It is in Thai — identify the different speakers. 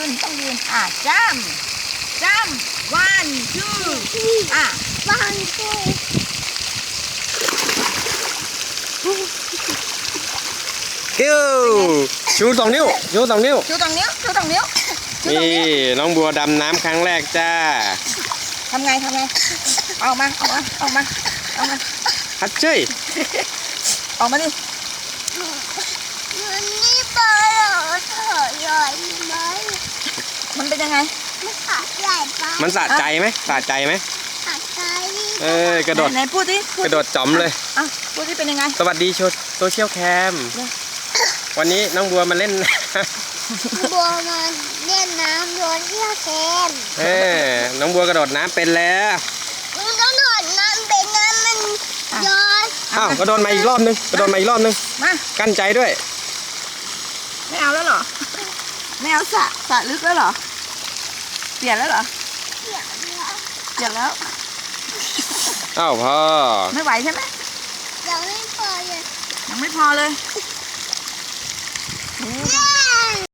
Speaker 1: ยืนจ้ำวันชื่อ
Speaker 2: วันชื่อ
Speaker 3: คิวชู2 นิ้วชู2 นิ้ว
Speaker 1: ชู2 นิ้ว
Speaker 3: นี่น้องบัวดำน้ำครั้งแรกจ้า
Speaker 1: ทำไงเอามา
Speaker 3: ฮัทเจ้ย
Speaker 1: ออกมาดิ
Speaker 2: มันนี่ปลาเถอะใหญ่ไหม
Speaker 1: มันเป็นยังไง
Speaker 2: มันขาใหญ่ปะ
Speaker 3: มันสะใจไหม
Speaker 2: ขาใจ
Speaker 3: กระโดด
Speaker 1: ไหนพูดดิ
Speaker 3: กระโดดจ๋อมเลย
Speaker 1: พูดดิเป็นยังไง
Speaker 3: สวัสดีโซเชียลแคมวันนี้น้องบัวมาเล่น
Speaker 2: บัวมาเล่นน้ำโยนเที่ยวแคม
Speaker 3: น้องบัวกระโดดน้ำเป็นแล้ว
Speaker 2: มันกระโดดน้ำเป็นน้ำมันย้อน
Speaker 3: กระโดดมาอีกรอบนึง
Speaker 1: มา
Speaker 3: กั้นใจด้วย
Speaker 1: ไม่เอาแล้วเหรอไม่เอาสระลึกแล้วเหรอเปลี่ยนแล้วเหรอเปลี่ยนแล้ว
Speaker 3: พ่อ
Speaker 1: ไม่ไหวใช่ไหม
Speaker 2: ยังไม่พอเลย